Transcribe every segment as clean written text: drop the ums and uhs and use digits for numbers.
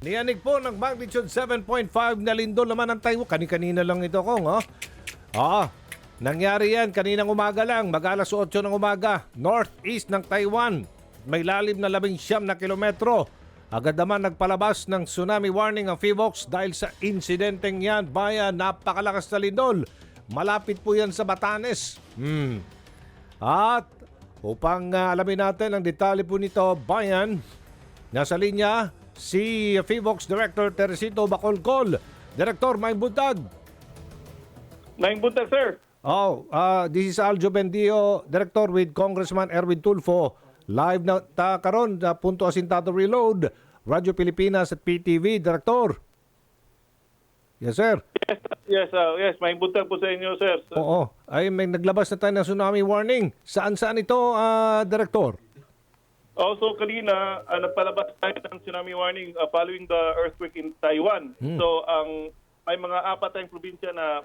Niyanig po ng magnitude 7.5 na lindol naman ang Taiwan. Kani-kanina lang ito, Kong. Nangyari yan kaninang umaga lang, mag-alas 8 ng umaga, northeast ng Taiwan. May lalim na 19 na kilometro. Agad naman nagpalabas ng tsunami warning ang PHIVOLCS dahil sa insidenteng yan. Bayan, napakalakas na lindol. Malapit po yan sa Batanes. At upang alamin natin ang detalye po nito, Bayan, nasa linya si PHIVOLCS Director Teresito Bacolcol. Director, may buntag. Maing buntag, sir. This is Aljo Bendio, Director with Congressman Erwin Tulfo. Live na karon na Punto Asintado Reload, Radyo Pilipinas at PTV. Director. Yes, sir. Yes, maing buntag po sa inyo, sir. Oo. Ay, may naglabas na tayo ng tsunami warning. Saan ito, Director? Also, kanina, nagpalabas tayo ng tsunami warning following the earthquake in Taiwan. So, may mga apat tayong probinsya na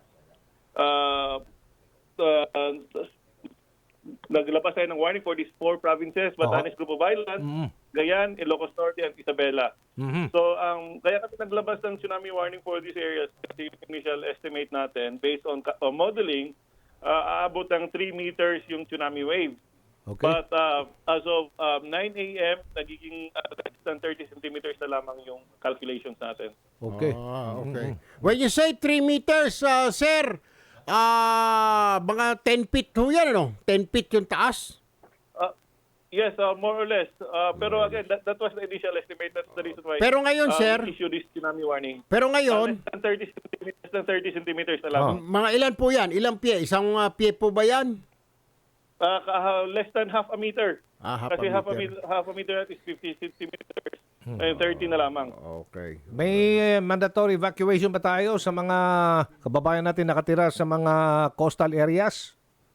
naglabas tayo ng warning for these 4 provinces: Batanes Group of Islands, Gayan, Ilocos Norte, and Isabela. So, kaya kami naglabas ng tsunami warning for these areas kasi yung initial estimate natin, based on modeling, aabot ng 3 meters yung tsunami wave. Okay. But as of 9 a.m., nagiging less than 30 centimeters na lamang yung calculations natin. Okay. Okay. When you say 3 meters, sir, mga 10 feet ho yan, ano? 10 feet yung taas? Yes, more or less. Pero again, that was the initial estimate. That's the reason why Pero ngayon, sir, we issue this tsunami warning. pero ngayon, Less than 30 centimeters na lamang. mga ilan po yan? Ilang pie? Isang pie po ba yan? Less than half a meter. Half Kasi a half a meter is 50 centimeters. And 30 na lamang. Okay. May mandatory evacuation ba tayo sa mga kababayan natin nakatira sa mga coastal areas?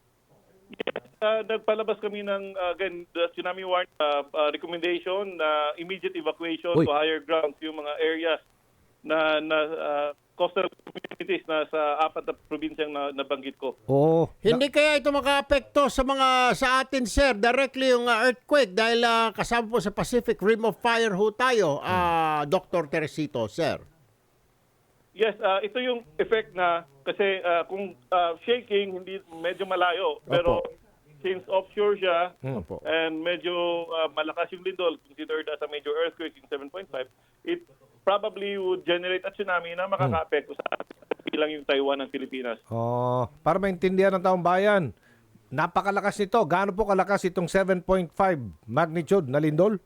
Nagpalabas kami ng again, the tsunami warning recommendation na immediate evacuation Uy. to higher grounds yung mga areas na coastal communities na sa 4 na probinsyang nabanggit ko. Oo. Hindi kaya ito makaapekto sa atin, sir, directly yung earthquake dahil kasama po sa Pacific Rim of Fire ho tayo, Dr. Teresito, sir. Yes, ito yung effect na kasi kung shaking hindi medyo malayo, pero since offshore siya Opo. and medyo malakas yung lindol, considered as a major earthquake yung 7.5, it probably would generate a tsunami na makaka-apekto sa bilang yung Taiwan ng Pilipinas. Para maintindihan ng taong bayan, napakalakas nito. Gaano po kalakas itong 7.5 magnitude na lindol?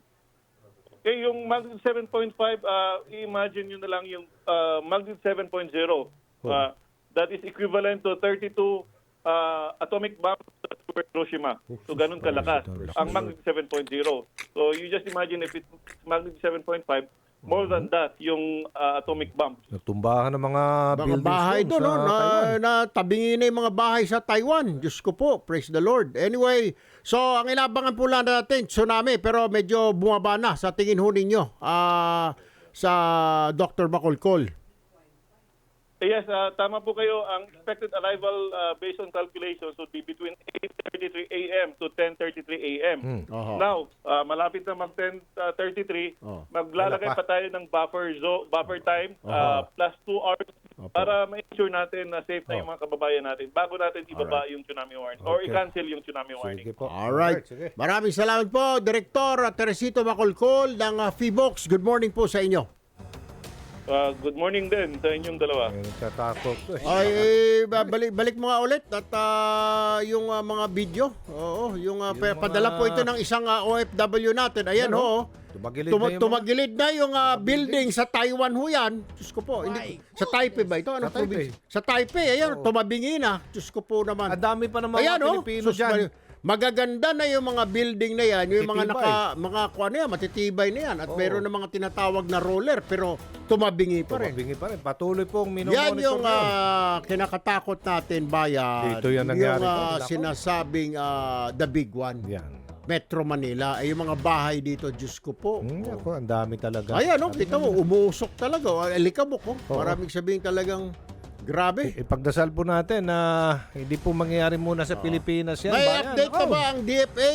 Okay, yung magnitude 7.5, imagine nyo na lang yung magnitude 7.0. That is equivalent to 32 atomic bombs at Hiroshima. So ganun kalakas ang magnitude 7.0. So you just imagine if it's magnitude 7.5, more than that yung atomic bombs. Natumbahan ng mga buildings bahay doon doon, sa Taiwan. na tabingin na yung mga bahay sa Taiwan. Diyos ko po, praise the Lord. Anyway, so ang inabangan po lang natin, tsunami, pero medyo bumaba na sa tingin ho ninyo sa Dr. Bacolcol. Yes, tama po kayo. Ang expected arrival based on calculations would be between 8:33 a.m. to 10:33 a.m. Now, malapit na mag 10:33, maglalagay pa tayo ng buffer time plus 2 hours para ma-ensure natin na safe na yung mga kababayan natin bago natin ibaba yung tsunami warning or i-cancel yung tsunami warning. Sige po. Alright. Sige. Maraming salamat po, Director Teresito Bacolcol ng PHIVOLCS. Good morning po sa inyo. Good morning din sa inyong dalawa. Nagtatakot ko eh. Ay, balik mo nga ulit at yung mga video. Oo, yung padala po ito ng isang OFW natin. Ayan ho. Tumagilid na yung building sa Taiwan ho yan. Diyos ko po. Hindi, sa Taipei ba ito? Anong Sa Taipei. probinsya? Sa Taipei. Ayan, tumabingi na. Diyos ko po naman. Ang dami pa ng mga Ayan, Pilipino dyan. magaganda na yung mga building na yan, yung mga Matitibay. matitibay na yan at mayroon na mga tinatawag na roller pero tumabingi pa rin. Tumabingi pa rin. Patuloy pong Yan minomonitor yung ngayon. kinakatakot natin, bayan. Dito yan nangyari yung po. sinasabing the big one. Yan. Metro Manila. Ay yung mga bahay dito, Diyos ko po. Ako, ang dami talaga. Ayan, kita mo, umuusok talaga. Alikabok, Maraming sabihin talagang Grabe. Ipagdasal po natin na hindi po mangyayari muna sa Pilipinas yan. May bayan. update pa ba ang DFA,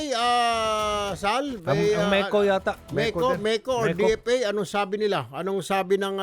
Sal? Ang MECO yata. MECO or MECO. DFA, anong sabi nila? Anong sabi ng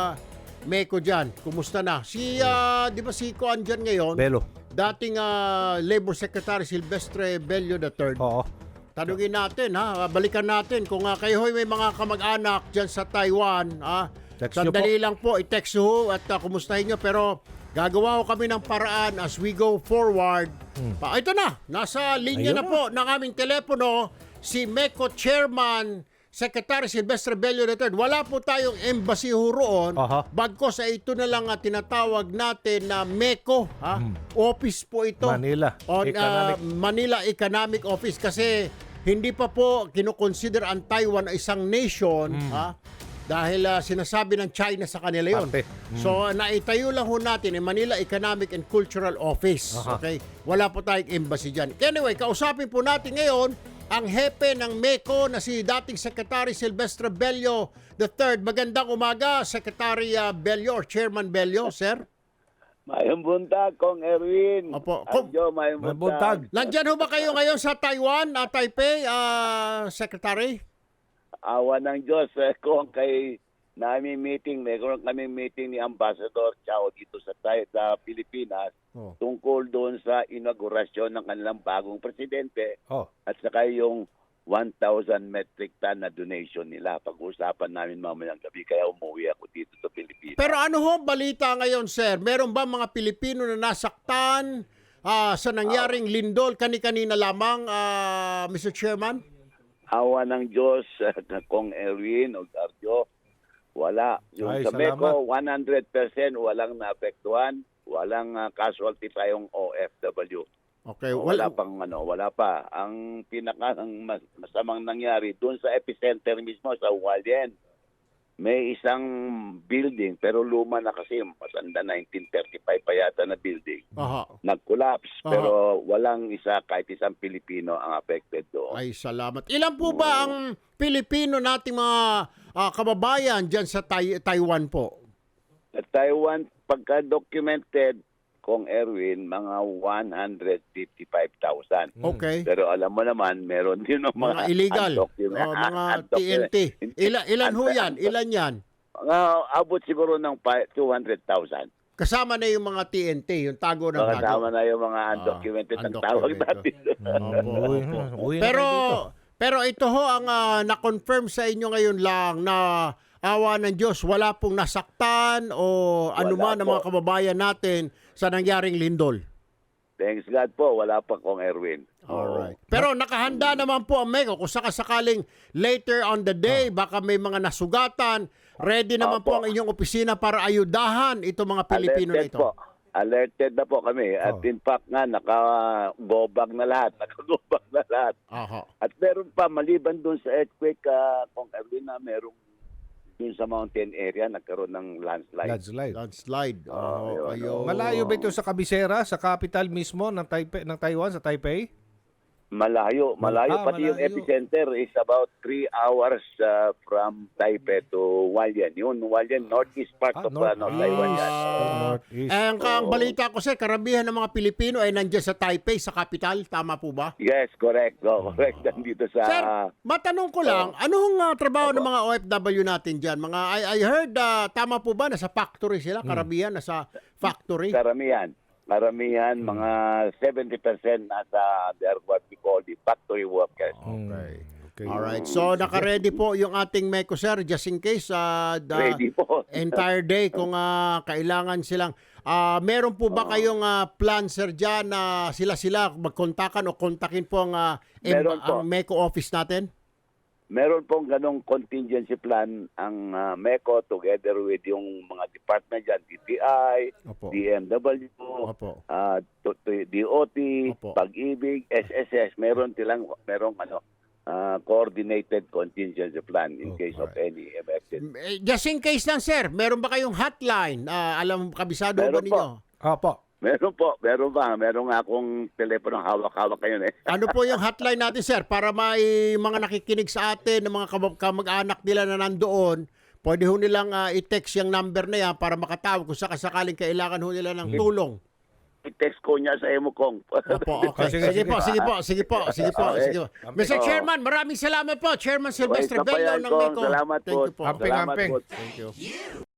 MECO dyan? Kumusta na? Di ba si Kuan dyan ngayon? Belo. Dating Labor Secretary Silvestre Bello III. Oo. Tanungin natin, balikan natin kung kayo may mga kamag-anak dyan sa Taiwan. Text nyo Sandali lang po, i-text ho at kumustahin nyo. Pero gagawa ko kami ng paraan as we go forward. Ito na, nasa linya Ayun na po ng aming telepono si MECO Chairman Secretary Silvestre Bello III. Wala po tayong embassy ho roon. Aha. Bagkos ito na lang tinatawag natin na MECO. Office po ito. Manila. On Economic. Manila Economic Office kasi hindi pa po kinoconsider ang Taiwan ay isang nation. Dahil sinasabi ng China sa kanila yun. Parte. So, naitayo lang ho natin ang Manila Economic and Cultural Office. Aha. Okay? Wala po tayong embassy dyan. Anyway, kausapin po natin ngayon ang hepe ng MECO na si dating Secretary Silvestre Bello III. Magandang umaga, Secretary Bello or Chairman Bello, sir. Mayong buntag, Kong Erwin. Opo. Adyo, mayong May buntag. buntag. Nandyan ho ba kayo ngayon sa Taiwan, Taipei, Secretary? Awa ng Diyos, Kong, kay namin meeting, meron kami meeting ni Ambassador Chao dito sa Pilipinas tungkol doon sa inaugurasyon ng kanilang bagong presidente Oh. at saka yung 1,000 metric ton na donation nila. Pag-uusapan namin mamayang gabi, kaya umuwi ako dito sa Pilipinas. Pero ano ho balita ngayon, sir? Meron ba mga Pilipino na nasaktan sa nangyaring lindol kani-kanina lamang, Mr. Chairman? Awa ng Diyos, Kong Erwin o Arjo, wala. Yung Ay, sa salamat. MECO, 100% walang naapektuhan, walang casualty tayong OFW. Okay, Wala pa. Ang masamang nangyari doon sa epicenter mismo sa Hualien, may isang building pero luma na kasi, matanda 1935 pa yata na building. Aha. Nag-collapse Aha. pero walang kahit isang Pilipino ang affected doon. Ay, salamat. Ilan po ba ang Pilipino nating mga kababayan dyan sa Taiwan po? Sa Taiwan, pagka-documented, Kong Erwin, mga 155,000. Okay. Pero alam mo naman, meron din ng Mga illegal. Mga TNT. Ilan ho yan? Ilan yan? Mga abot siguro ng 200,000. Kasama na yung mga TNT, yung tago ng tago. Kasama na yung mga undocumented ang tawag natin. Uwi na Pero kayo dito. pero ito ho ang na-confirm sa inyo ngayon lang na awa ng Diyos, wala pong nasaktan o anuman ng po. mga kababayan natin sa nangyaring lindol. Thanks God po, wala pa Kong Erwin. Alright. Pero nakahanda naman po ang MECO kung sakasakaling later on the day baka may mga nasugatan, ready naman po Opo. ang inyong opisina para ayudahan itong mga Pilipino na ito. Po. Alerted na po kami. At in fact nga, naka-go-bag na lahat. Aha. At meron pa, maliban dun sa earthquake, Kong Erwin, na merong dun sa mountain area, nagkaroon ng landslide. Landslide. Oh, ayun. Malayo ba ito sa kabisera, sa capital mismo ng Taiwan, sa Taipei? Malayo. Pati yung malayo. epicenter is about 3 hours from Taipei to Hualien. Yun, Hualien, northeast part of Taiwan yan. Northeast. Ang balita ko sir, karamihan ng mga Pilipino ay nandiyan sa Taipei, sa capital. Tama po ba? Yes, correct. Correct. Nandito sa... Sir, matanong ko lang, anong trabaho ng mga OFW natin dyan? I heard, tama po ba, nasa factory sila? Karamihan, nasa factory? Karamihan, mga 70% nasa what we call the factory workers. Okay. Alright, so naka-ready po yung ating MECO sir, just in case the Ready po. entire day kung kailangan silang... meron po ba kayong plan sir dyan na sila magkontakan o kontakin po ang Meron po. MECO office natin? Meron pong ganong contingency plan ang MECO together with yung mga department dyan, DTI, Opo. DMW, Opo. DOT, Opo. Pag-ibig, SSS, merong coordinated contingency plan in case of any emergency. Just in case lang sir, meron ba kayong hotline? Alam, kabisado ba Meron ninyo? Opo. Meron po, meron nga akong telepono hawak-hawak ngayon eh. Ano po yung hotline natin sir para may mga nakikinig sa atin, ng mga kamag-anak nila na nandoon, pwede ho nilang i-text yung number na yan para makatawag kung sakasakaling kailangan ho nila ng tulong. I-text ko niya sa Emocong. Opo, okay. Sige po. Mr. Chairman, maraming salamat po. Chairman Silvestre Okay, Bello ng Kong. MECO. Salamat Thank po. you po. Amping, Salamat amping. po. Thank you.